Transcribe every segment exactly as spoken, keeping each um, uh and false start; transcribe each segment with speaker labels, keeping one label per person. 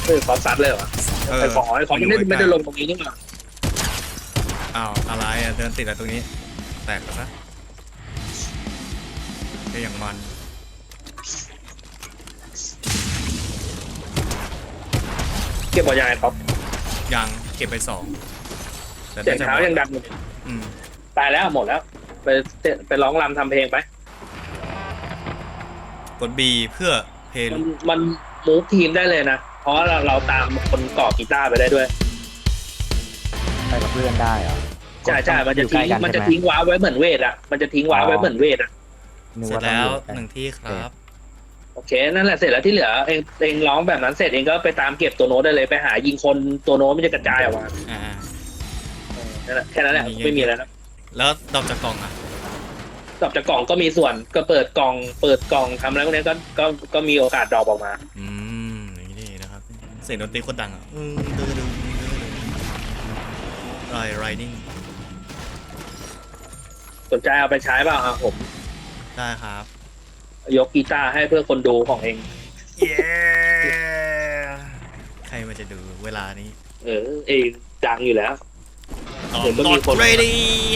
Speaker 1: เออขอซัดเลยเหรอไอ้ขอไอ้ขอไม่ได้ไม่ได้ลงตรงนี้นี่หว่า
Speaker 2: อ้าวอะไรอ่ะเดินติดอะไรตรงนี้แตกแล้วนะก็อย่างมัน
Speaker 1: เก็บบอลยางไอ้ท็อป
Speaker 2: ยังเก็บไปสองแต่
Speaker 1: เสียงเท้ายังดังอยู่
Speaker 2: อืม
Speaker 1: ตายแล้วหมดแล้วไปไปร้องรำทำเพลงไป
Speaker 2: กด B เพื่อเพลง
Speaker 1: มันมันมูฟทีมได้เลยนะเพราะเราเราตามคนเกาะกีตาร์ไปได้ด้วย
Speaker 3: ไปกับเพื่อนได้เหรอ
Speaker 1: ใช่ใช่มันจะทิ้งมันจะทิ้งว้าไว้เหมือนเวทอ่ะมันจะทิ้งว้าไว้เหมือนเวทอ่ะ
Speaker 2: เสร็จแล้วหนึ่งที่ครับ
Speaker 1: โอเคนั่นแหละเสร็จแล้วที่เหลือเองเองร้องแบบนั้นเสร็จเองก็ไปตามเก็บตัวโน้ตได้เลยไปหายิงคนตัวโน้ตมันจะกระจายออกมา
Speaker 2: อ่า
Speaker 1: นั่นแหละแค่นั้นแหละไม่มีอะไรนะ
Speaker 2: แล้วดอกจากกล่องอ่ะ
Speaker 1: ดอกจากกล่องก็มีส่วนก็เปิดกล่องเปิดกล่องทำอะไรพวกนี้ก็ก็ก็มีโอกาสดรอปออกมา
Speaker 2: อืมอย่างนี้นะครับเสียงดนตรีโคตรดังอ่ะอืมดื้อดื้อไรไรนิ่ง
Speaker 1: สนใจเอาไปใช้เปล่าครับผม
Speaker 2: ได้ครับ
Speaker 1: ยกกีตาร์ให้เพื่อคนดูของเอง
Speaker 2: เย้ใครมันจะดูเวลานี้
Speaker 1: เออเองดังอยู่แล้ว
Speaker 2: เห็นก็มีคนไปด้วย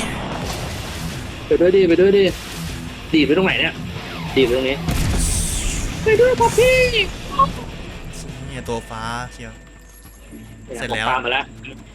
Speaker 1: ดิไปด้วยดิดีไปตรงไหนเนี่ยดีไปตรงนี้ไปด้วยพ่อพี่
Speaker 2: เนี่ยตัวฟ้าเชียวเสร็จแล้ว
Speaker 1: ตามมาแล้ว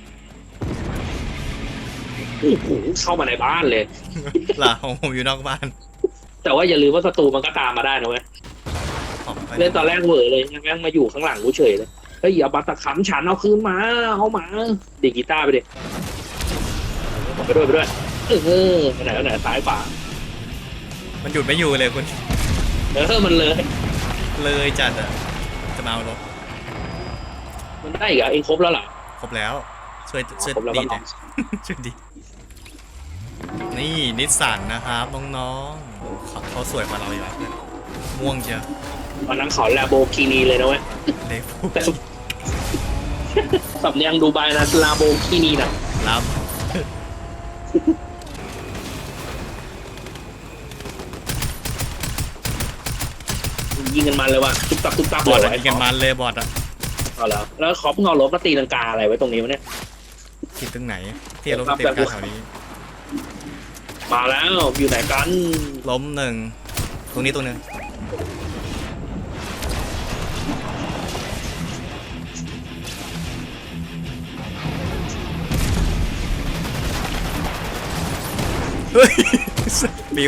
Speaker 1: โอ้โหเข้ามาในบ้านเลย
Speaker 2: ล่ะของผมอยู่นอกบ้าน
Speaker 1: แต่ว่าอย่าลืมว่าศัตรูมันก็ตามมาได้นะเว้ยเล่นตอนแรกเวอร์เลยยังแม่งมาอยู่ข้างหลังกูเฉยเลยเฮ้ยอย่าบัตรขำฉันเอาคืนมาเอามาดีกีตาร์ไปดิไปด้วยไปด้วยเออไปไหนไปไหนซ้ายขวา
Speaker 2: มันหยุดไม่อยู่เลยคุณ
Speaker 1: เออมันเลย
Speaker 2: เลยจัดอ่ะจะมาเอารถ
Speaker 1: มันได้อีกอ่ะเองครบแล้วเหรอ
Speaker 2: ครบแล้วช่วยช่วยดีจ้ะช่วยดีนี่นิสสันนะครับน้องๆเขาสวยกว่าเราอยู่แล้วม่วงเชียว
Speaker 1: วันนั้นเขาแลโบกินีเลยนะเว้ย
Speaker 2: เลโบ
Speaker 1: สำเนียงดูไบนะลาโบกินีนะ
Speaker 2: ลา
Speaker 1: ยิงกันมันเลยว่ะตุ๊บตับตุ๊บตับบอ
Speaker 2: ดยิงกันมันเลยบอดอ่ะ
Speaker 1: เอาแล้วแล้วเขาเพิ่งเอารถมาตีลังกาอะไรไว้ตรงนี้วะเนี่ย
Speaker 2: คิดตรงไหนที่รถมาตีลังกาแถวนี้
Speaker 1: มาแล้วอยู่ไหนกัน
Speaker 2: ล้มหนึ่งตรงนี้ตัวหนึ่งเฮ้ยบิว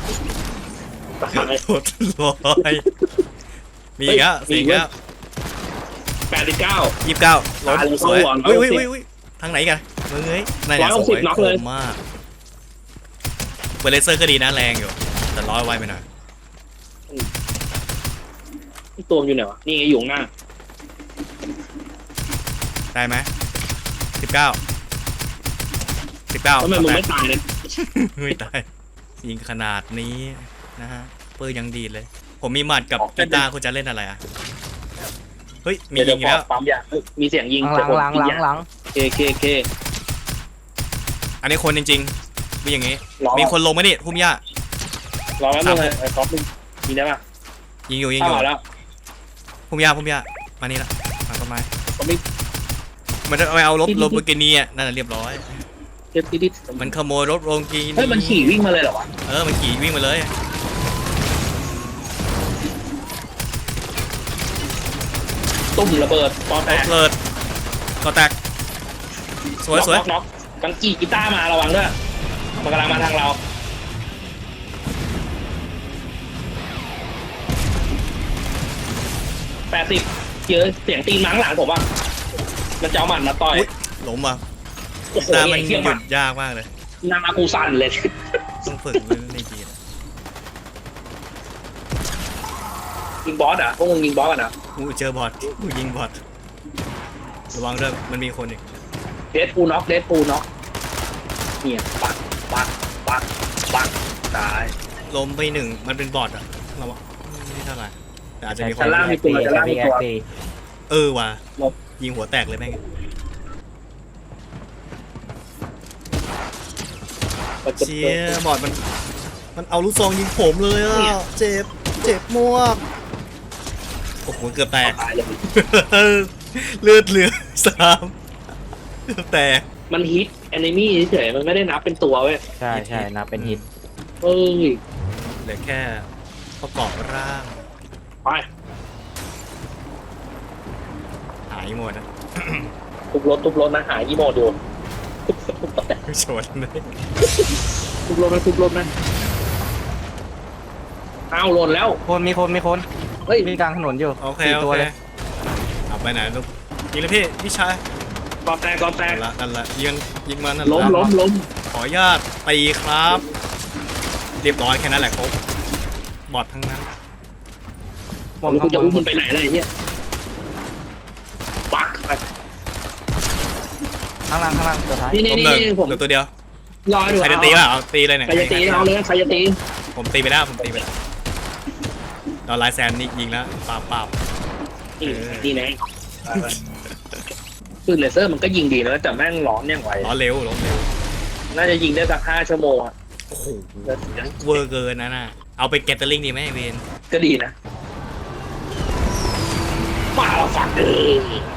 Speaker 2: โคตรลอยมีอีกแล้วสี่แล้ว
Speaker 1: แปดสิบเก้า
Speaker 2: ยี่สิบเก้าล้มสวยอุ้ยอุ้ยอุ้ยทางไหนกันมึงเอ้ยนายเนี่ยสวยคมมากเบลเลเซอร์ก็ดีนะแรงอยู่แต่ร้อยไวไปหน่อย
Speaker 1: ตัวอยู่ไหนวะนี่ไงอยู่ข้างหน้า
Speaker 2: ได้ไหมสิบเก้าสิบเก้า
Speaker 1: ทำไมมึงไม่ตายเลย
Speaker 2: ไม่ตายยิงขนาดนี้นะฮะปืนยังดีเลยผมมีหมัดกับกีตาร์คุณจะเล่นอะไรอ่ะเฮ้ยมียิงแล้ว
Speaker 1: ปั๊มยามีเสียงยิง
Speaker 3: หลังหลังหลังหลัง
Speaker 1: เคเคเค
Speaker 2: อันนี้คนจริงๆมีอย่างงี้มีคนลงไหมนี่พุ่มหญ้าร
Speaker 1: อแล้วมึงไอ้ท็อปมึงยิงได้ป่ะ
Speaker 2: ยิงอยู่ยิงอยู่
Speaker 1: แล้ว
Speaker 2: พุ่มหญ้าพุ่มหญ้ามานี่ละมาต้นไม้มันจะเอารถรถโบกินี่อ่ะนั่นแหละเรียบร้อยมันขโมยรถโรงกี
Speaker 1: เฮ้ยมันขี่วิ่งมาเลยเหรอวะ
Speaker 2: เออมันขี่วิ่งมาเลย
Speaker 1: ตุ้มระเบิดปอแตก
Speaker 2: ระเบิดก็แตกสวยสวย
Speaker 1: น็อกกังกี้กีตาร์มาระวังด้วยมันกำลังมาทางเราแปดสิบเจอเสียงตีนมั้งหลังผมอ่ะมันจะเอาหมัดมาต่อย
Speaker 2: ล้มอ่ะหน้ามันหยุดยากมากเลย
Speaker 1: หน้ากูสั่นเลย
Speaker 2: ต้องฝึกเรื่องในจีน
Speaker 1: ยิงบอสอ่ะพวกมึงยิงบอสกันอ่ะ
Speaker 2: กูเจอบอสกูยิงบอสระวังด้วยมันมีคนอีก
Speaker 1: เดดปูน็อกเดดปูน็อกเนี่ยปักปักปักปักตาย
Speaker 2: ล้มไปหนึ่งมันเป็นบอสอ่ะเราบอกไม่เท่าไหร่แต่อาจจะมีคน
Speaker 1: ล่างมีตัวจะล่างมีตัว
Speaker 2: เออว่ะยิงหัวแตกเลยแม่งเชี่ยบอดมันมันเอาลูกซองยิงผมเลยอ่ะเจ็บเจ็บมากโอ้โหเกือบแตกเลือดเหลือสามแต่
Speaker 1: มันฮิตแอนิมี่เฉยๆมันไม่ได้นับเป็นตัวเว้ย
Speaker 3: ใช่ใช่นะเป็นฮิต
Speaker 1: เอ้ย
Speaker 2: เหลือแค่ประกอบร่าง
Speaker 1: ไป
Speaker 2: หายหมดนะ
Speaker 1: ทุบรถทุบรถนะหาอีโมดู
Speaker 2: ชนเลย
Speaker 1: ทุบรถไหมทุบรถไหมเอาหล่นแล้ว
Speaker 3: คนมีคนมีคน
Speaker 1: เฮ้ย
Speaker 3: มีกลางถนนอยู่
Speaker 2: โอเค
Speaker 3: สี่
Speaker 2: โอ
Speaker 3: ตัว
Speaker 2: เค
Speaker 3: เลย
Speaker 2: เอาไปไหนลูกยิงเลยพี่พี่ชาย
Speaker 1: กอแตกกอแตก
Speaker 2: นั่นละนั่นละยิงยิงมันนั่น
Speaker 1: ล้ม
Speaker 2: ละ
Speaker 1: ล้มล้ม
Speaker 2: ขออนุญาตตีครับ เรียบร้อยแค่นั้นแหละครบบอดทั้งนั้น
Speaker 3: บอม
Speaker 1: แล้วกูจะ
Speaker 3: ข้างบ
Speaker 1: อุ้ม
Speaker 3: น
Speaker 1: มันไปไหนอะไรเนี่ยปักไป
Speaker 3: ข้างล่างข้างล่างตัวท้าย
Speaker 1: นี่นี่
Speaker 2: ผม
Speaker 1: นี่
Speaker 2: หนึ่ง
Speaker 1: นี่ผม
Speaker 2: เหลือตัวเดียว
Speaker 1: รอดู
Speaker 2: ใครจะตีล่ะเอาตีเลยเนี่ย
Speaker 1: ใครจะตีเอาเลยใครจะตี
Speaker 2: ผมตีไปแล้วผมตีไปแล้วตอนไลน์แซนนี่ยิงแล้วปาบปาบ
Speaker 1: นี่
Speaker 2: เออ
Speaker 1: นี่แน่ปืนเลเซอร์มันก็ยิงดีนะแต่แม่งร้อนยังไง
Speaker 2: ล้อเร็วล้อเร็ว
Speaker 1: น่าจะยิงได้สักห้าชั่วโมงอะ
Speaker 2: โอ้โหเวอร์เกินนะน่ะเอาไปเก็ตเตอร์ลิงดีไหมเวน
Speaker 1: ก็ดีนะมาแล้วฝักเออ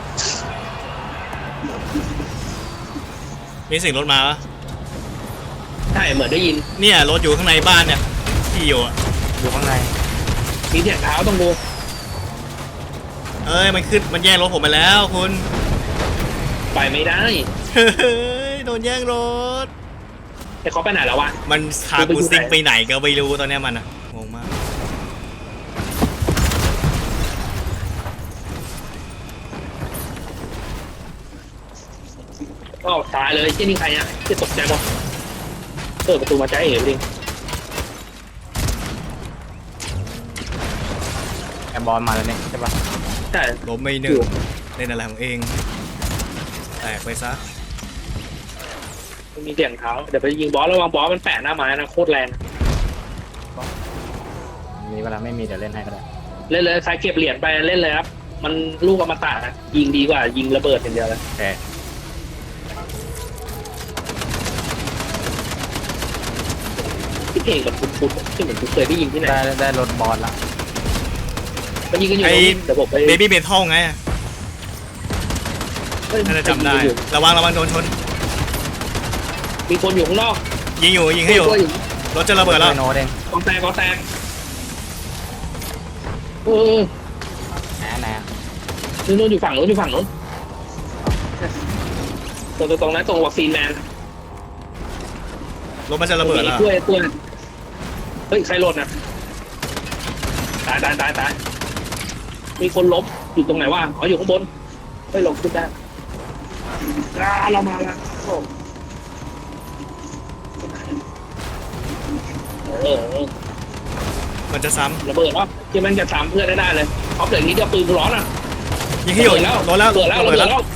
Speaker 2: มีเสียงรถมาปะ
Speaker 1: ใช่เหมือนได้ยิน
Speaker 2: เนี่ยรถอยู่ข้างในบ้านเนี่ยที่อยู่อะ
Speaker 3: อยู่ข้างใน
Speaker 1: มีเสียงเท้าต้องดู
Speaker 2: เอ้ยมันขึ้นมันแย่งรถผมไปแล้วคุณ
Speaker 1: ไปไม่ได้
Speaker 2: เฮ้ยโดนแย่งรถ
Speaker 1: ไอ้เขาไปไหนแล้ววะ
Speaker 2: มันพากูซิงไปไหนก็ไม่รู้ตอนเนี้ยมันอะงงมาก
Speaker 1: ก็ตายเลยที่นี่ใครเนี่ยที่ตกใจหมดเปิดประตูมาใจเอ๋จริง
Speaker 3: แอมบอลมาแล้วเนี่ยใช่ปะ
Speaker 1: ใช่
Speaker 2: ล้มไม่หนึ่งเล่นอะไรของเองแตกไปซะ
Speaker 1: มันมีเสียงเท้าเดี๋ยวไปยิงบอสระวังบอสมันแปะหน้าไม้นะโคตรแรง
Speaker 3: มีเวลาไม่มีเดี๋ยวเล่นให้ก็ได้
Speaker 1: เล่นเลยใครเก็บเหรียญไปเล่นเลยครับมันลูกอมตะนะยิงดีกว่ายิงระเบิดอย่างเดียวเลย
Speaker 3: แต่
Speaker 1: ที่เพลงแบบฟุดๆที่เหมือนกูเคยได้ยินที่ไหน
Speaker 3: ได้ได้รถบอลละ
Speaker 1: มันยิงกันอยู่ตรงนี้เดี๋ยวผมไป
Speaker 2: เบบี้เบทอลไง
Speaker 1: เฮ้ย
Speaker 2: น่าจะจำได้ระวังระวังโดนชน
Speaker 1: มีคนอยู่ข้างนอก
Speaker 2: ยิงอยู่ยิงให้อยู่
Speaker 1: ตัวอยู่
Speaker 2: รถจะระเบิดแล้ว
Speaker 3: โน้ตเอง
Speaker 1: กองแตกกองแตกเออ
Speaker 3: แหนแหน
Speaker 1: นู่นนู่นอยู่ฝั่งนู้นอยู่ฝั่งนู้นตรงตรงนั้นตรงวัคซีนแมน
Speaker 2: รถมันจะระเบิดแล้ว
Speaker 1: กล้วยกล้วยเฮ้ยใครหล่นนะตายตายตายตายมีคนล้มอยู่ตรงไหนวะอ๋ออยู่ข้างบนเฮ้ยลงขึ้นได้อ่าเรามาแล้วโอ้เออเออ
Speaker 2: มันจะซ้
Speaker 1: ระเบิดวะที่มันจะสามเพื่อนได้ได้เลยเอาเกิดอย่างนี้จะปืนร้อนอ่ะ
Speaker 2: ำยิงให้อยู่
Speaker 1: ระเบิดแล้ว
Speaker 2: รถแล้ว
Speaker 1: ระเบิดแล้ว
Speaker 2: ระ
Speaker 1: ระ
Speaker 2: เบิ
Speaker 1: เบิ
Speaker 2: ด
Speaker 1: ด
Speaker 2: แล้ว
Speaker 1: แล้ว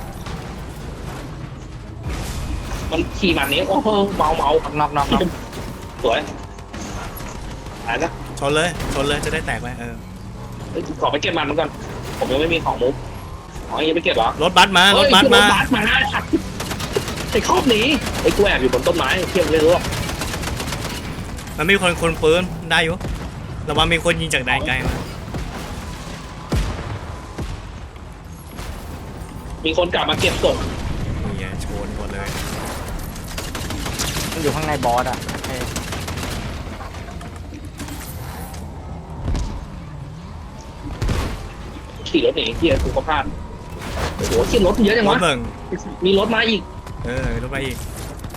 Speaker 1: มันขี่มันนี้โอ้โหเมาเมา
Speaker 3: น็อกน็อกน็อก
Speaker 1: สวยตายนะ
Speaker 2: ชนเลยชนเลยจะได้แตกไหมเออ
Speaker 1: เฮ้ยขอไปเก็บมันมันก่อนผมยังไม่มีของมุกอ๋อยังไม่เก็บเหรอ
Speaker 2: รถบัสมารถบัส
Speaker 1: เฮ้ย
Speaker 2: มา
Speaker 1: รถบัสมาไอ้ครอบหนีไอ้กูแอบอยู่บนต้นไม้เที่ยงเลยรู้หรอ
Speaker 2: มันมีคนคนปืนได้อยู่ระวังมีคนยิงจากแดนไกลมา
Speaker 1: มีคนกลับมาเก็บศพ
Speaker 2: นี่ไงชนหมดเลย
Speaker 3: มันอยู่ข้างในบอสอ่ะเอ้ย
Speaker 1: ขี่รถหนีเที่ยกูก็พลาดโอ้โหขี่รถเยอะจัง
Speaker 2: รถ
Speaker 1: วะ
Speaker 2: เบิ่ง
Speaker 1: มีรถมาอีก
Speaker 2: เออรถไปอีก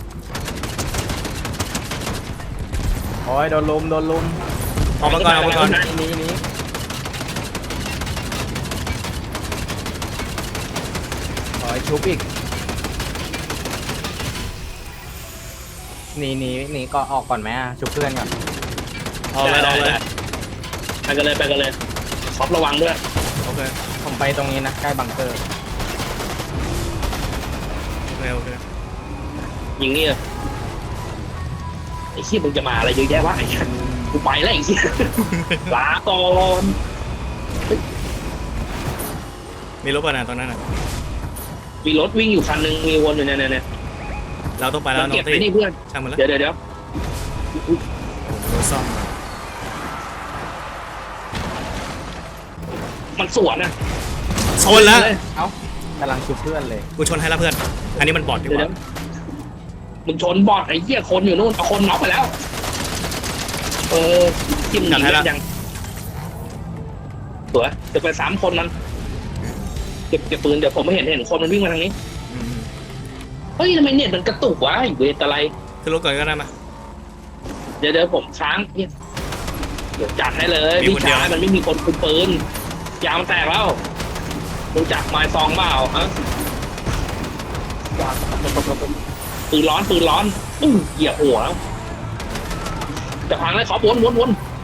Speaker 3: โอ้ยโดนลุมโดนลุม
Speaker 2: ออกมาก่อนออกมาก่อน
Speaker 3: หนี้นี้โอ้ยชุบอีกหนีหนีหนีก็ออกก่อนไหมอ่ะชุบเพื่อนก่อน
Speaker 2: เอาเลยเอาเลย
Speaker 1: ไปกันเลยไปกันเลยครอบระวังด้วย
Speaker 2: โอเค
Speaker 3: ผมไปตรงนี้นะใกล้บังเกอร์
Speaker 2: โอเคโอเค
Speaker 1: ยิงนี่เลยไอ้ขี้ยมึงจะมาอะไรเยอะแยะวะไอ้ชันกูไปแล้วไอ้ขี้ยลาก่อน
Speaker 2: มีรถป่ะนะตอนนั้นอ่ะ
Speaker 1: มีรถวิ่งอยู่คันหนึงมีวนอยู่เนี่ยเนี่ยเนี่ย
Speaker 2: เราต้องไปแล้ว
Speaker 1: มัน
Speaker 2: น้อ
Speaker 1: เก็บ
Speaker 2: ง
Speaker 1: ไป
Speaker 2: ตี้
Speaker 1: นี่เพื่อน
Speaker 2: ช่างมันแล้ว
Speaker 1: เดี๋ยวเดี๋ยวเดี๋ยว
Speaker 2: โดนซ่อม
Speaker 1: มันสวนนะ
Speaker 2: ชนแล้ว
Speaker 3: เอ้ากำลังชุบเพื่อนเลย
Speaker 2: กูชนให้แล้วเพื่อนอันนี้มันบอดดีก
Speaker 1: เดี๋ยว
Speaker 2: ว่า
Speaker 1: มึงชนบอดไอ้เหี้ยคนอยู่นู่นเอาคนน็อกไปแล้ว เออจิ้มหนีได้ยังสวยจะไปสามคนมันเก็บเก็บปืนเดี๋ยวผมไม่เห็นเห็นคนมันวิ่งมาทางนี้
Speaker 2: อืม
Speaker 1: เฮ้ยทำไมเน็ตมันกระตุกวะไอ้เวทอะไร
Speaker 2: ขึ้นรถก่อนก็ได้มา
Speaker 1: เดี๋ยวเดี๋ยวผมค้างเนี่ยเดี๋ยวจัดให้เลย
Speaker 2: มี
Speaker 1: พี่
Speaker 2: คนเดียว
Speaker 1: ชายมันไม่มีคนคุมปืนยางมันแตกแล้วรู้จักไม้ซองเปล่าฮะปืนร้อนปืนร้อนอื้อเหยียบหัวแล้วจะพังเลยขอวนวนวน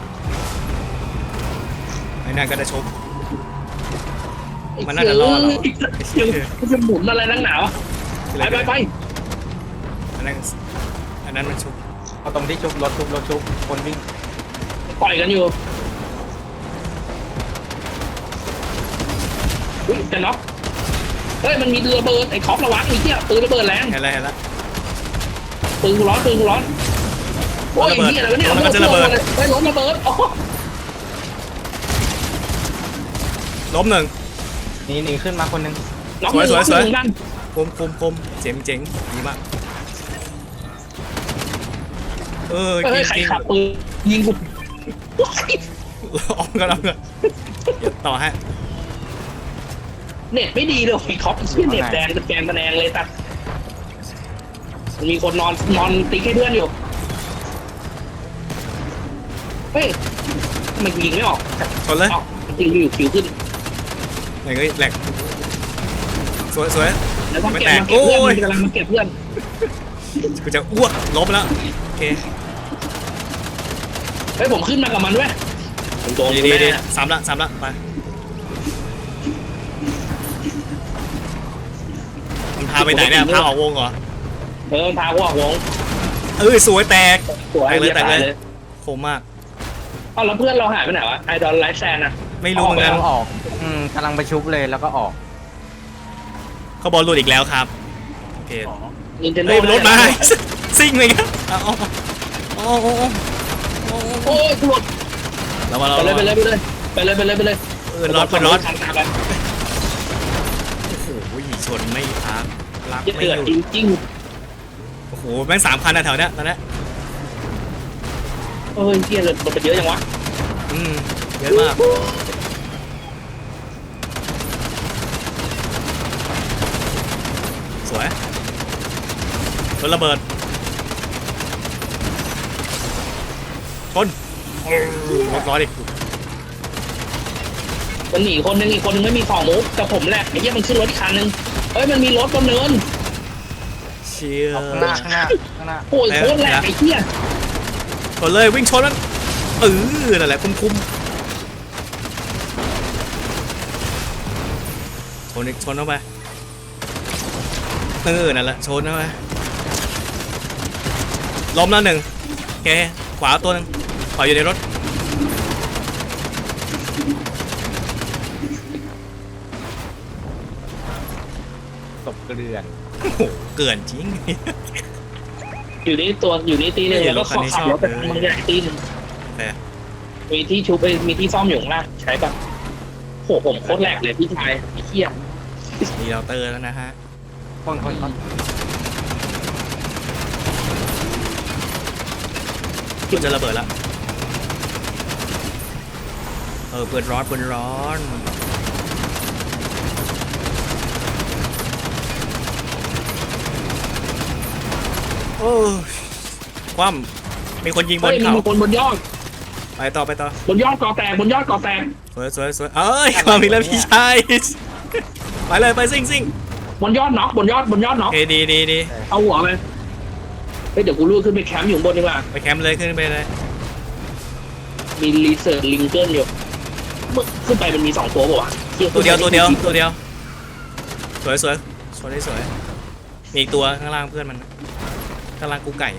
Speaker 2: ไอ้นั่นก็ได้ชก
Speaker 1: ไอ้
Speaker 2: มันน่าจะรอดเหรอ
Speaker 1: เหี้ยมันจะหมุนอะไรนักหนาวะไปไปไป
Speaker 2: อันนั้นอันนั้นมันชุบ
Speaker 3: เอาตรงที่ชุบรถชุบรถชุบคนวิ่ง
Speaker 1: ปล่อยกันอยู่อุ้ยจะน็อกเฮ้ยมันมีเรือระเบิดไอ้คอประวัติไอ้เหี้ยปืนระเบิดแรง
Speaker 2: เห็นแล้วเห็นแล้ว
Speaker 1: ปืนกูร้อนปืนกูร้อนโอ้ยไอ้เหี้ยอะไรวะเนี่ย
Speaker 2: รถมันจะระเบิด
Speaker 1: ไอ้ยรถระเบิดโอ้
Speaker 2: ล้มหนึ่ง
Speaker 3: หนีหนีขึ้นมาคนหนึง
Speaker 1: น็อก
Speaker 2: สวยสวย
Speaker 1: น็อก
Speaker 2: สวย
Speaker 1: หนึ่งนั่น
Speaker 2: คมคมคมเจ๋งเจ๋งดีมากเออ
Speaker 1: เฮ้ย
Speaker 2: จ
Speaker 1: ใคร
Speaker 2: ริง
Speaker 1: ขับปืนยิงกู
Speaker 2: ออกกันออกกันเดี๋ยวต่อฮะ
Speaker 1: เน็ตไม่ดีเลยไอ้คอปเหี้ยเน็ตแดงเป็นแกนตะแนงเลยตัดมันมีคนนอนนอนติ๊กให้เพื่อนอยู่เฮ้ยทำไมกูยิงไม่ออก
Speaker 2: ชนเลย
Speaker 1: ออกจริงอยู่คิวขึ้น
Speaker 2: ไหนก็แหลกสวยสวย
Speaker 1: แล้วก็
Speaker 2: ไม่
Speaker 1: เก็บ
Speaker 2: แตก
Speaker 1: มาเก็บเพื่อน
Speaker 2: โอ้ย
Speaker 1: มันกำลังมาเก็บเพื่อน
Speaker 2: กูจะอ้วกลบแล้วโอเค
Speaker 1: เฮ้ยผมขึ้นมากับมันด้วยผมโดน
Speaker 2: ดี
Speaker 1: กู
Speaker 2: ดีดี
Speaker 1: แน่
Speaker 2: สามละสามละไปมันพาไปไหนเนี่ยพาออกวงเหรอ
Speaker 1: เออมันพากูออกวง
Speaker 2: เออสวยแตก
Speaker 1: สวย
Speaker 2: แตกเลย
Speaker 1: หี้
Speaker 2: แตกเลย
Speaker 1: เลย
Speaker 2: โคมมาก
Speaker 1: เอ้าแล้วเพื่อนเราหายไปไหนวะไอดอลไลฟ์แซนอะ
Speaker 2: ไม่รู้เหมือนกัน
Speaker 3: กำลังออกอืมกำลังไปชุบเลยแล้วก็ออก
Speaker 2: เขาบอลหลุดอีกแล้วครับโอเค
Speaker 1: นินเทนโด
Speaker 2: เฮ้ยรถมาซิ่งเลยครับเอาเอาเอาเอาเอาเอา
Speaker 1: โอ้ยกูหลุด
Speaker 2: เรามาเรา
Speaker 1: ไปเลยไปเลยไปเลยไปเลยไปเลยไปเลย
Speaker 2: เออร้อนเปิดร้อน
Speaker 1: ทางตามไป
Speaker 2: โอ้โหชนไม่พักรัก
Speaker 1: เยอะ
Speaker 2: ไม่
Speaker 1: เดือด
Speaker 2: หยุด
Speaker 1: จริง
Speaker 2: โอ้โหแม่งสามคันนะแถวเนี้ยตอนเนี้ย
Speaker 1: ๆเอ้ยเกียร์เลยมันเป็นเยอะจังวะ
Speaker 2: อืมเยอะมากสวยรถระเบิดชนรถร้อยดิ
Speaker 1: มันหนีคนนึงอีกคนนึงไม่มีของมุกแต่ผมแหละไอ้เหี้ยมันขึ้นรถอีกคันนึงเอ้ยมันมีรถบนเนิน
Speaker 2: เชีย
Speaker 3: เอาข้างหน้าข้างหน้าข้างหน้า
Speaker 1: โอ้ยโคตรแหลกไอ้เหี้ย
Speaker 2: ชนเลยวิ่งชนมันเออนั่นแหละคุ้มคุ้มชนอีกชนเข้าไปเออนั่นแหละชนเข้าไปล้มแล้วหนึ่งโอเคขวาตัวหนึงขวาอยู่ในรถ
Speaker 3: ตบเกลือน
Speaker 2: โอ้โหเกินจริง
Speaker 1: อยู่นี่ตัวอยู่นี่ตีหนึง
Speaker 2: เฮ้ย
Speaker 1: แล้วก็
Speaker 2: รถคั
Speaker 1: ข
Speaker 2: น
Speaker 1: อ
Speaker 2: นี้
Speaker 1: ขับ
Speaker 2: ชอบ
Speaker 1: รถไป
Speaker 2: เลย
Speaker 1: ทางมึงใหญ่ตีหนึง
Speaker 2: แต่
Speaker 1: มีที่ชุบเอ้ยมีที่ซ่อมอยู่ข้างล่างใช้ปะโหผมโคตรแหลกเลยพี่ชายไอ้เหี้ย
Speaker 2: มีเราเตอร์แล้วนะฮะ
Speaker 3: คนคนคน
Speaker 2: มันจะระเบิดแล้วเออเปิดร้อนเปิดร้อนโอ้ยคว่ำมีคนยิงบ
Speaker 1: เฮ้
Speaker 2: น
Speaker 1: ยมี
Speaker 2: เขา
Speaker 1: คนบนยอด
Speaker 2: ไปต่อไปต่อบ
Speaker 1: นยอดก่อแตกบนยอดก่อแตก
Speaker 2: สวยสวยสวยเอ้ยความอีกแล้วพี่ชายไปเลยไปซิ่งซิ่ง
Speaker 1: บนยอดน็อกบนยอดบนยอดน็
Speaker 2: โอ
Speaker 1: อก
Speaker 2: เคดีดีดี
Speaker 1: เอาหัวไปเฮ้ยเดี๋ยวกูรูดขึ้นไปแคมป์อยู่ข้างบนดีกว่า
Speaker 2: ไปแคมป์เลยขึ้นไปเลย
Speaker 1: มีรีเสิร์ชลิงเกิลอยู่มึงขึ้นไปมันมีสองตัวป่าวะหี้
Speaker 2: ตัวเดียวตัวเดียวตัวเดียวสวยสวยสวยได้สวยมีอีกตัวข้างล่างเพื่อนมันข้างล่างกูไก่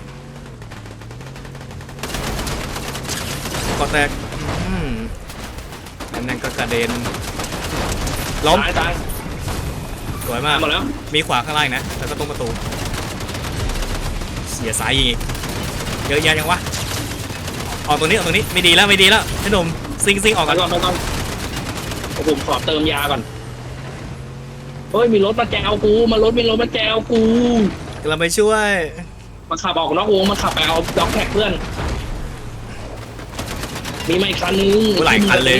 Speaker 2: กอแตกอืมอันนั้นก็กระเด็นล้ม
Speaker 1: ตายตาย
Speaker 2: สวย
Speaker 1: ตาม
Speaker 2: าก
Speaker 1: หมดแล้ว
Speaker 2: มีขวาข้างล่างนะแล้วก็ตรงประตูเสียสายอีกเยอะแยะยังวะออกตรงนี้ออกตรงนี้ไม่ดีแล้วไม่ดีแล้วพี่หนุ่มซิงซิงออก
Speaker 1: ไป
Speaker 2: กัน
Speaker 1: ก่อนไปก่อนผมขอเติมยาก่อนเฮ้ยมีรถมาแจวกูมารถมีรถมาแจวกู
Speaker 2: กำลังไปช่วย
Speaker 1: มาขับออกนอกวงมาขับไปเอาด็อกแท็กเพื่อนมีมาอีกคันนึง
Speaker 2: กูหลายคันเลย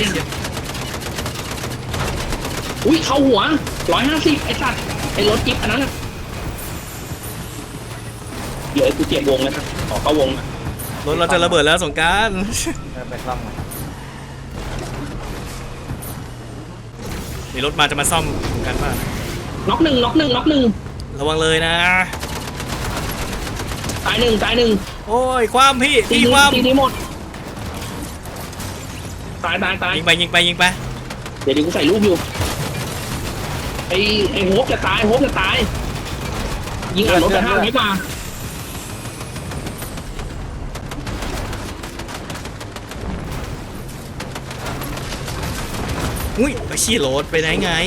Speaker 1: อุ้ยเข้าหัวร้อยห้าสิบไอ้สัตว์ไอ้รถจิ๊บอันนั้นน่ะเดี๋ยวไอ้กูเจ็บวงนะครับขอเข้าวงนะ
Speaker 2: รถเราจะระเบิดแล้วสงกราร
Speaker 3: เออไปซ่อมหน่อย
Speaker 2: มีรถมาจะมาซ่อมสงกรารป่ะ
Speaker 1: น็อกหนึ่งน็อกหนึ่งน็อกหนึ่ง
Speaker 2: ระวังเลยนะ
Speaker 1: ตายหนึ่งตายหนึ่ง
Speaker 2: โอ้ยความพี่
Speaker 1: ตี
Speaker 2: พี่
Speaker 1: นี้
Speaker 2: ความ
Speaker 1: ตีนี้หมดตายตายตาย
Speaker 2: ยิงไปยิงไปยิงไป
Speaker 1: เดี๋ยวดิกูใส่รูปอยู่ไอ้ไอ้โฮปจะตายโฮปจะตายยิงอ่านรถจะห้าไม่มา
Speaker 2: อุ้ยไปชี้รถไปไหนไง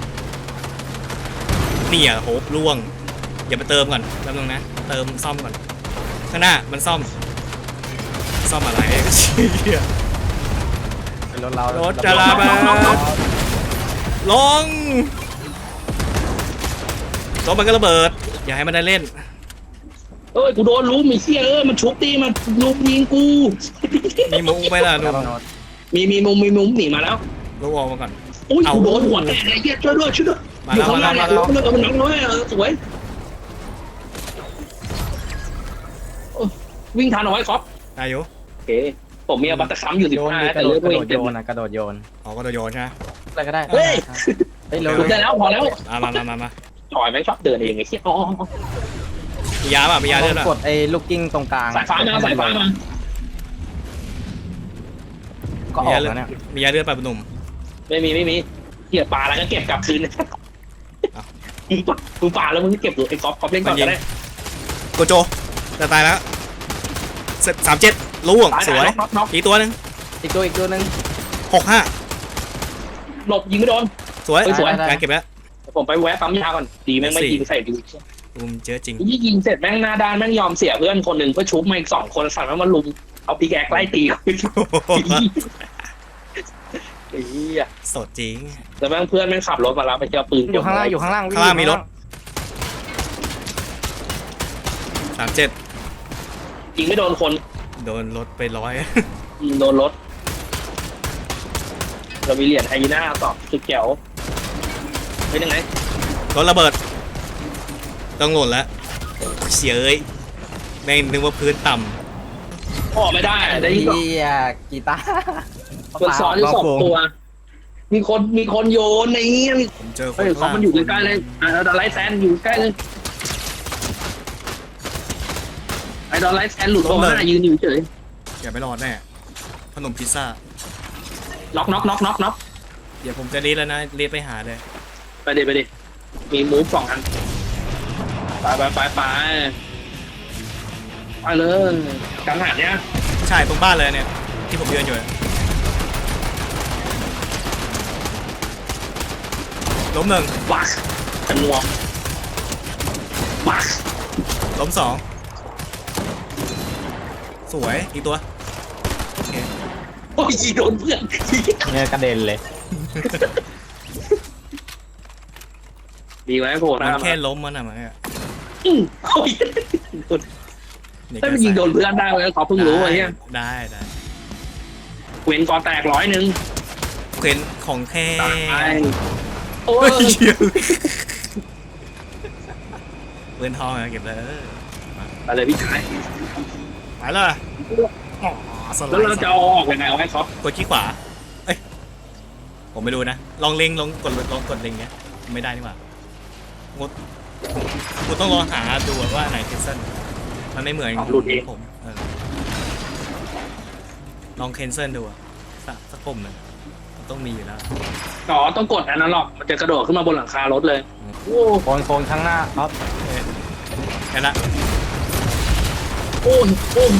Speaker 2: เนี่ยโหบล่วงอย่าไปเติมก่อนแป๊บนึงนะเติมซ่อมก่อนข้างหน้ามันซ่อมซ่อมอะไรเชี่ย
Speaker 3: เป็นรถเรา
Speaker 2: รถจะลาไปลงรถมันก็ระเบิดอย่าให้มันได้เล่น
Speaker 1: เอ้ยกูโดนลุมมีเสียเอ้ยมันชุบตีมันลุมยิงกู
Speaker 2: มีมุ้งไปล่ะ
Speaker 3: ค
Speaker 2: นุ่
Speaker 3: รับ
Speaker 2: ม
Speaker 3: โน้ต
Speaker 1: มีมีมุมมีมุมหนีมาแล้ว
Speaker 2: ลูกออกมาก่อน
Speaker 1: อุ้ย
Speaker 2: เอา
Speaker 1: กูโดนหัวแตกเลยเหี้ยช่วยด้วยช่วยด้วย
Speaker 2: มา
Speaker 1: อยู่
Speaker 2: แล้ว
Speaker 1: ข้าง
Speaker 2: มา
Speaker 1: ล่าง
Speaker 2: แล้ว
Speaker 1: เนี่ย
Speaker 2: มาแล้ว
Speaker 1: เออมันน้องด้วยเออสวยโอ้ยวิ่งทันเอาไว้ครับ
Speaker 2: อายุ
Speaker 1: โอเคผมมีอบัตตะคัมอยู่สิ
Speaker 3: โย
Speaker 1: บ
Speaker 3: น
Speaker 1: ห้า
Speaker 3: มีก
Speaker 1: แต่
Speaker 3: ระโด
Speaker 1: เลื
Speaker 3: ด
Speaker 1: อด
Speaker 3: กระ
Speaker 1: ไม่
Speaker 3: โดด
Speaker 1: เต็
Speaker 3: โย
Speaker 1: ม
Speaker 3: นนะกระโดดโยน
Speaker 2: ออกก็โยนใช่ไหม
Speaker 3: อะไรก็ได้
Speaker 1: เฮ้ย
Speaker 3: เฮ้ยเร็ว
Speaker 1: หยุดได้แล้วพอแล้ว
Speaker 2: อ่ะมามามามา
Speaker 1: จอยแม่งชอบเดินเองไอ้เหี้ยอ๋อ
Speaker 2: มียาป่ะมียาเลือดป่ะ
Speaker 3: กดไอ้ลูกกิ้งตรงกลาง
Speaker 1: สายฟ้ามาสายฟ้ามา
Speaker 3: ก็อ
Speaker 2: มี
Speaker 3: อย
Speaker 2: าก เลือ
Speaker 3: แล้ว
Speaker 2: ด
Speaker 3: เนี่ย
Speaker 2: มียาเลือดป่ะหนุ่ม
Speaker 1: ไม่มีไม่มีเหี้ยปลาแล้วก็เก็บกลับคืน
Speaker 2: อ้าว
Speaker 1: มึงปลามึงปลาแล้วมึงก็เก็บดูไอ้ก๊อฟก๊อฟเล่นก่อนก็ได้
Speaker 2: โกโจจะตายแล้วเสร็จสามเจ็ดล่วง
Speaker 1: ตาย
Speaker 2: สวย
Speaker 1: น็อกน็อก
Speaker 2: อีกตัวหนึ่ง
Speaker 3: อีกตัวอีกตัวหนึง
Speaker 2: หกห้า
Speaker 1: หลบยิงไม่โดน
Speaker 2: สวย
Speaker 1: เฮ้ยสวย
Speaker 2: การเก็บแล้ว
Speaker 1: ผมไปแวะปั๊มยาก่อนดีแม่งไม่
Speaker 2: สี่
Speaker 1: ยิงใส่ดู
Speaker 2: อุ้มเจอจริง
Speaker 1: ยี่ยิงเสร็จแม่งหน้าด้านแม่งยอมเสียเพื่อนคนหนึ่งเพื่อชุบมาอีกสองคนสั่งแล้วมาลุมเอาปีแกกไล่ตีเขาไอ้เหี้ย
Speaker 2: สดจริง
Speaker 1: แล้วแม่งเพื่อนแม่งขับรถมารับไปเจอปืน
Speaker 3: อยู่ข้างล่างอยู่ข้างล่าง
Speaker 2: ข้างล่างมีรถ สามเจ็ด
Speaker 1: ยิงไม่โดนคน
Speaker 2: โดนรถไปร้อย
Speaker 1: ยิงโดนรถเรามีเหรียญไฮยีน่าต่อสุดแจ๋วเป็นยังไง
Speaker 2: รถระเบิด ต้องหล่นแล้วเสียเอ้ยแม่งนึกว่าพื้นต่
Speaker 1: ออกไม่ได้ได้ยิง
Speaker 3: เฮียกีตาร์
Speaker 1: คนซ้อนอยู่สองตัว มีคนมีคนโยนในนี้มี
Speaker 2: ำผมเจอค
Speaker 1: เฮ้
Speaker 2: น
Speaker 1: ย
Speaker 2: ข้าง
Speaker 1: เขา
Speaker 2: ล่าง
Speaker 1: มันอยู่ใกล้ๆเลยอ่าดอลไลท์แซนอยู่ใกล้เลยไอ้ดอลไลท์แซนหลุดตัวหน้ายืนอยู่เฉย
Speaker 2: อย่าไปรอดแน่ขนมพิซซ่า
Speaker 1: น็อกน็อกน็อกน็อกน็อก
Speaker 2: เดี๋ยวผมจะรีดแล้วนะรีดไปหาเลย
Speaker 1: ไปดิไปดิมีมูฟสองอันไปไปไปไปไปเลยกังหันเนี้ย
Speaker 2: ใช่ตรงบ้านเลยเนี่ย ที่ผมยืนอยู่เนี่ยล้มหนึ่ง
Speaker 1: บักกันนัวบัก
Speaker 2: ล้มสองสวยอีกตัว
Speaker 1: โอ้ยโดนเพื่อน
Speaker 3: เนี่ยกระเด็นเลย
Speaker 1: ดีไหมโผล่ห
Speaker 2: มั
Speaker 1: น้าน มา
Speaker 2: แค่ล้มมันอะมันอะ
Speaker 1: อื้อโอ้ย
Speaker 2: เด็ก
Speaker 1: ถ้ามันยิงโดนเพื่อนได้เลยเขาเพิ่งรู้ไอ้เนี่ย
Speaker 2: ได้ได้
Speaker 1: เว้นกอแตกร้อยหนึ่ง
Speaker 2: เข็นของแท้
Speaker 1: ตายโอ้
Speaker 2: เฮ้
Speaker 1: ย
Speaker 2: ยเหี้ยเปืนทองอะเก็บเลย
Speaker 1: อะไรพี่ชาย
Speaker 2: ไปเลยอ๋อสไล
Speaker 1: แล้วเรา
Speaker 2: ด์
Speaker 1: จะเอาออกยังไงเอาให้เขา
Speaker 2: กดขี้ขวาเอ้ยผมไม่ดูนะลองเล็งลองกดลองกดเล็งเงี้ยไม่ได้นี่หว่างดกูต้องลองหาดูว่าไหนเคนเซิลมันไม่เหมือนผมเออลองเคนเซิลดูอะสักสักปุ่มหนึ่งมันต้องมีอยู่แล้ว
Speaker 1: อ๋อต้องกดอันนั้นหรอกมันจะกระโดดขึ้นมาบนหลังคารถเลยโอ้
Speaker 3: โคนโคนข้างหน้าครับ
Speaker 2: แค่นั้นละ
Speaker 1: โอ้ยโอ้ย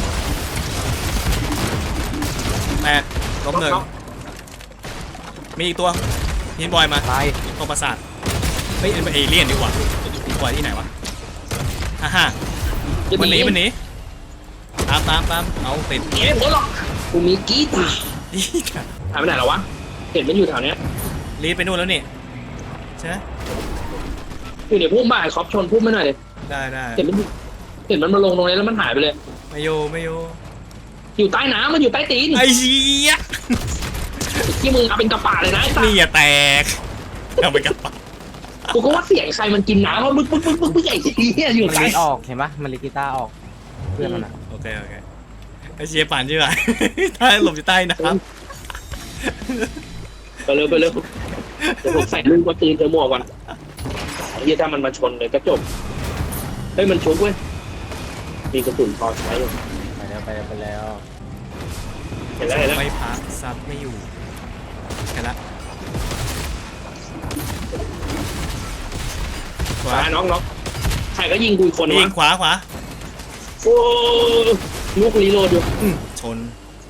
Speaker 2: แปดล้มหนึ่งมีอีกตัวฮินบอยมา
Speaker 3: ตาย
Speaker 2: ตรงปราสาทไม่เอเลี่ยนดีกว่าฮินบอยที่ไหนวะฮ่าฮ่ามันหนีมันหนีตามตามตามเอาติด
Speaker 1: เก็บหมดหรอกกูมีกีตาร์
Speaker 2: นี่จ้ะ
Speaker 1: หายไปไหนแล้ววะเห็นมันอยู่แถวเนี้ย
Speaker 2: รีบไปนู่นแล้วนี่ใช่ไหม
Speaker 1: อยู่ในพุ่มบ้านคอปชนพุ่มไม่หน่อยเลย
Speaker 2: ได้ได้
Speaker 1: เห็นมันเห็นมันมาลงตรงนี้แล้วมันหายไปเลย
Speaker 2: ไม่โยไม่โย
Speaker 1: อยู่ใต้น้ำมันอยู่ใต้ตีน
Speaker 2: ไอ้เหี้ย
Speaker 1: ที่มึงเอาเป็นกระป๋าเลยนะไอ้สัส
Speaker 2: นี่อย่าแตกเอาไปกลับปะ
Speaker 1: กูก็ว่าเสียงใครมันกินน้ำว่าบึ๊กบึ๊กบึ๊กบึ๊กบึ๊กไอ้เหี้ยอยู่
Speaker 3: มัน
Speaker 1: ใต้
Speaker 3: ลิดออกเห็นปะมันลิดกีตาร์ออกเพื่อนมันอะ
Speaker 2: โอเคโอเคไอ้เชียปั่นใช่ไหมใต้หลบอยู่ใต้น้
Speaker 1: ไปเร็วไปเร็วเดี๋ยวผมใส่ลูกมาตีนเธอหมวกก่อนไอ้เหี้ยถ้ามันมาชนเลยก็จบเฮ้ยมันชุบเว้ยมีกระสุนพอใช้อยู่
Speaker 3: ไปแล้วไปแล้วไปแล้ว
Speaker 1: เห็นแล้วเห็นแล้ว
Speaker 2: ำไม่พักซับไม่อยู่แค่ละขวา
Speaker 1: ตายน้องน้องใครก็ยิงกูอีกคน
Speaker 2: ยิ
Speaker 1: วะ
Speaker 2: งขวาขวา
Speaker 1: โอ้ลูกรีโหลดอยู่
Speaker 2: อืมชน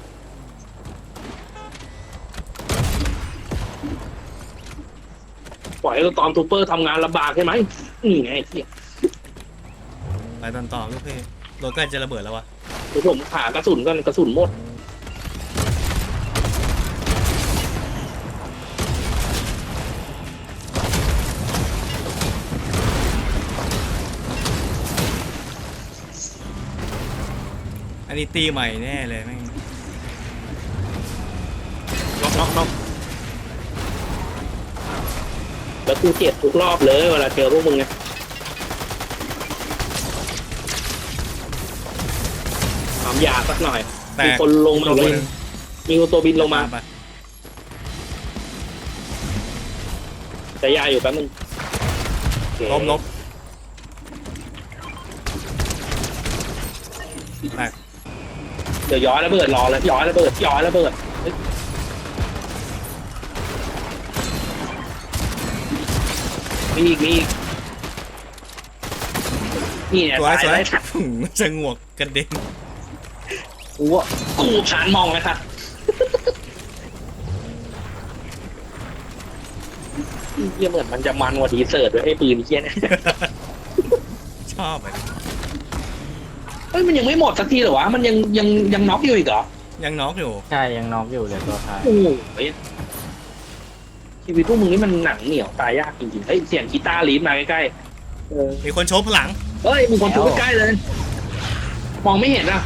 Speaker 1: ปล่อยให้ตอนทูเปอร์ทำงานลำบากใช่ไหมนี่ไงเหี้ย
Speaker 2: ไปตอนต่อลูกพี่รถใกล้จะระเบิดแล้ววะ
Speaker 1: เดี๋ยวผมหากระสุนกันกระสุนหมด
Speaker 2: อันนี้ตีใหม่แน่เลยแม่ง
Speaker 1: น็อกน็อกน็อกแล้วกูเจ็บทุกรอบเลยเวลาเจอพวกมึงไงทำยาสักหน่อย
Speaker 2: แต
Speaker 1: มี
Speaker 2: ก
Speaker 1: คนลงมา
Speaker 2: ตัว
Speaker 1: บิ
Speaker 2: ห
Speaker 1: น
Speaker 2: นึ่ง
Speaker 1: มีคนตัวบินลงมา
Speaker 2: ไป
Speaker 1: แต่ยาอยู่แป๊บนึงโอเค
Speaker 2: ล้มล้มแตก
Speaker 1: เดี๋ยวย้อยระเบิดรอเลยย้อยระเบิดย้อยระเบิดเฮ้ยมีอีกมีอีกนี่เนี่ย
Speaker 2: สวย
Speaker 1: ตาย
Speaker 2: สวย
Speaker 1: ได้ชัด
Speaker 2: หืมจะงวกกระเด็น
Speaker 1: กูอ่ะกูชานมองเลยค่ะเยี่ยเหมือนมันจะมันกว่าทีเสิร์ตด้วยไอ้ปืนเคี้ยเนี่ย
Speaker 2: ชอบเลย
Speaker 1: เฮ้ยมันยังไม่หมดสักทีเหรอวะมันยังยังยังน็อกอยู่อีกเหรอ
Speaker 2: ยังน็อกอยู่
Speaker 3: ใช่ยังน็อกอยู่เลยตัวท้าย
Speaker 1: โอ้โหชีวิตพวกมึงนี่มันหนังเหนียวตายยากจริงๆเฮ้ยเสียงกีตาร์ลีดมาใกล้ๆเออ
Speaker 2: มีคนโชว์พลัง
Speaker 1: เฮ้ยมีคนทุบใกล้ๆเลย มองไม่เห็นอ่ะ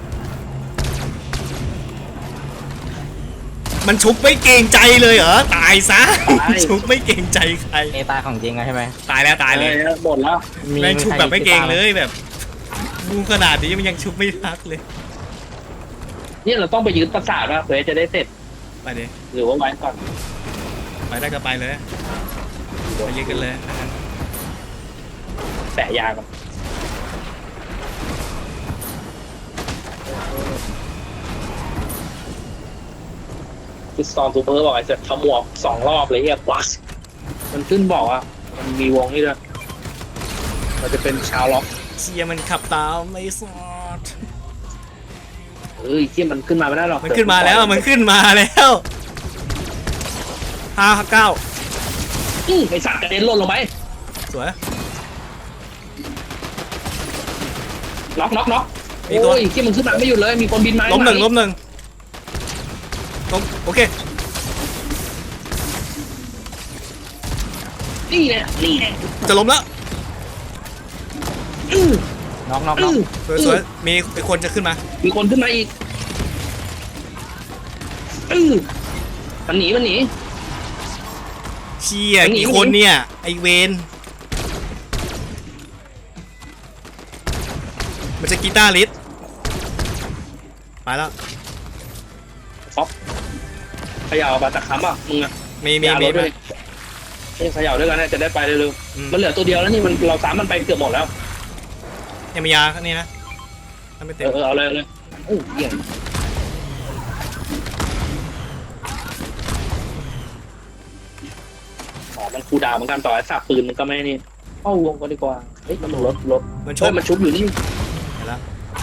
Speaker 2: มันชุบไม่เกรงใจเลยเหรอตายซะชุบไม่เกรงใจใคร
Speaker 3: เอตายของจริงอะใช่ไหม
Speaker 2: ตายแล้วตายเลย
Speaker 1: ออหมดแล้ว
Speaker 2: แม่งชุบแบบไม่เกรงเลยแบบดูขนาดนี้มันยังชุบไม่พักเลย
Speaker 1: นี่เราต้องไปยึดประสาทว่าเพื่อจะได้เสร็จ
Speaker 2: ไปดิ
Speaker 1: หรือว่าไว้ก่อน
Speaker 2: ไปได้ก็ไปเลยไปยืนกันเลยนะครับ
Speaker 1: แปะยาก่อนคือสตอมซูเปอร์บอกไอ้เสร็จขมวกสองรอบเลยเฮียกวักมันขึ้นบอกอ่ะมันมีวงนี่ด้วยมันจะเป็นชาวล็อก
Speaker 2: เชียมันขับตามไม่สอด
Speaker 1: เอ้ยที่มันขึ้นมาไม่ได้หรอก
Speaker 2: มันขึ้นมาแล้วมันขึ้นมาแล้วห้าเก้า
Speaker 1: อื้อไอสัตว์กระเด็นหล่นลงไป
Speaker 2: สวย
Speaker 1: น็อกน็อกน็อก
Speaker 2: มีตัว
Speaker 1: โอ้ยที่มันขึ้นมาไม่หยุดเลยมีคนบินมา
Speaker 2: ล้มหนึ่ง
Speaker 1: ข้า
Speaker 2: ล้มหนึ่งล้มโอเค
Speaker 1: นี่เนี่ยนี่เนี่ย
Speaker 2: จะล้มแล้ว
Speaker 1: อื้อ
Speaker 3: น็อกน็อกน็
Speaker 1: อื้
Speaker 3: อก
Speaker 1: อ
Speaker 2: สวยสวยมีมีคนจะขึ้นมา
Speaker 1: มีคนขึ้นมาอีกอื้อมันหนีมันหนี
Speaker 2: เชีย
Speaker 1: หนี
Speaker 2: กี่
Speaker 1: หนี
Speaker 2: คนเนี่ยไอเวนมันจะกีตาร์ลิสไปแล้ว
Speaker 1: เขย่าบาตะคัมอ่ะมึงอ่ะ
Speaker 2: มีมี
Speaker 1: อย่า
Speaker 2: มี
Speaker 1: ลดด้วยเอ้ยเขย่าด้วยกันนะจะได้ไปเร็ว
Speaker 2: อืม
Speaker 1: ๆมันเหลือตัวเดียวแล้วนี่มันเราสามมันไปเกือบหมดแล้ว
Speaker 2: ยังมียาข้างนี้นะถ้าไม่
Speaker 1: เอ
Speaker 2: เต็ม
Speaker 1: อเออเอาเลยเอาเลยโอ้ยเหี้ยอ๋อมันคูลดาวน์เหมือนกันต่อไอ้สับปืนมันก็ไม่นี่เข้าวงก็ดีกว่าเฮ้ยมันลงรถรถ
Speaker 2: มันช
Speaker 1: เฮ้
Speaker 2: ก
Speaker 1: ยมันชุบอยู่นี่
Speaker 2: เห็นแล้ว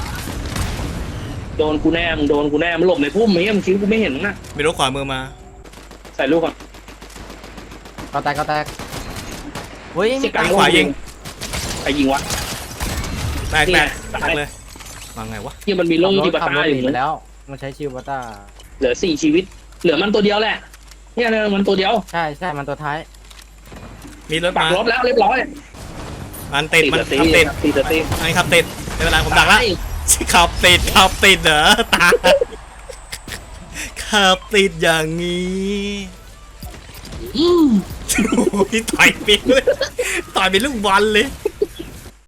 Speaker 1: โดนกูแน่มึงโดนกูแน่มันหลบในพุ่มไอ้เหี้ยมึงคิดว่ากูไม่เห็นมึงนะ
Speaker 2: มีรถขวามือมา
Speaker 1: ใส่ลูกก่อน
Speaker 3: ก็แตกก็แตกเฮ้ย
Speaker 1: เสี
Speaker 3: ไม่
Speaker 1: ยกลาง
Speaker 2: ขวายิง
Speaker 1: ใครยิงวะ
Speaker 2: แตก
Speaker 1: นี่
Speaker 2: แต
Speaker 1: ไง
Speaker 2: กแตกเลยมาไงวะ
Speaker 1: ที่มันมีโล่
Speaker 3: ขับร
Speaker 1: ที่
Speaker 3: ถ
Speaker 1: ปา
Speaker 3: ขับ
Speaker 1: ต้าร
Speaker 3: ถ
Speaker 1: อ
Speaker 3: หนี
Speaker 1: ยู่
Speaker 3: ไป
Speaker 1: นะ
Speaker 3: แล้วมันใช้ชิวบัตต้า
Speaker 1: เหลือสี่ชีวิต เหลือมันตัวเดียวแหละเนี่ยเนี่ยมันตัวเดียว
Speaker 3: ใช่ใช่มันตัวท้าย
Speaker 2: มีรถ
Speaker 1: ปัก
Speaker 2: มาร
Speaker 1: ถแล้วเรียบร้อย
Speaker 2: มันติดมัน
Speaker 1: ตี
Speaker 2: ขับติด
Speaker 1: ตีตีตี
Speaker 2: ไอ้ขับติดไม่เป็นไรผมดักแล้วขับติดขับติดเหรอตาขับติดอย่างนี้
Speaker 1: อืม
Speaker 2: โอ้ยต่อยไปเลยต่อยเป็นลูกบอลเลย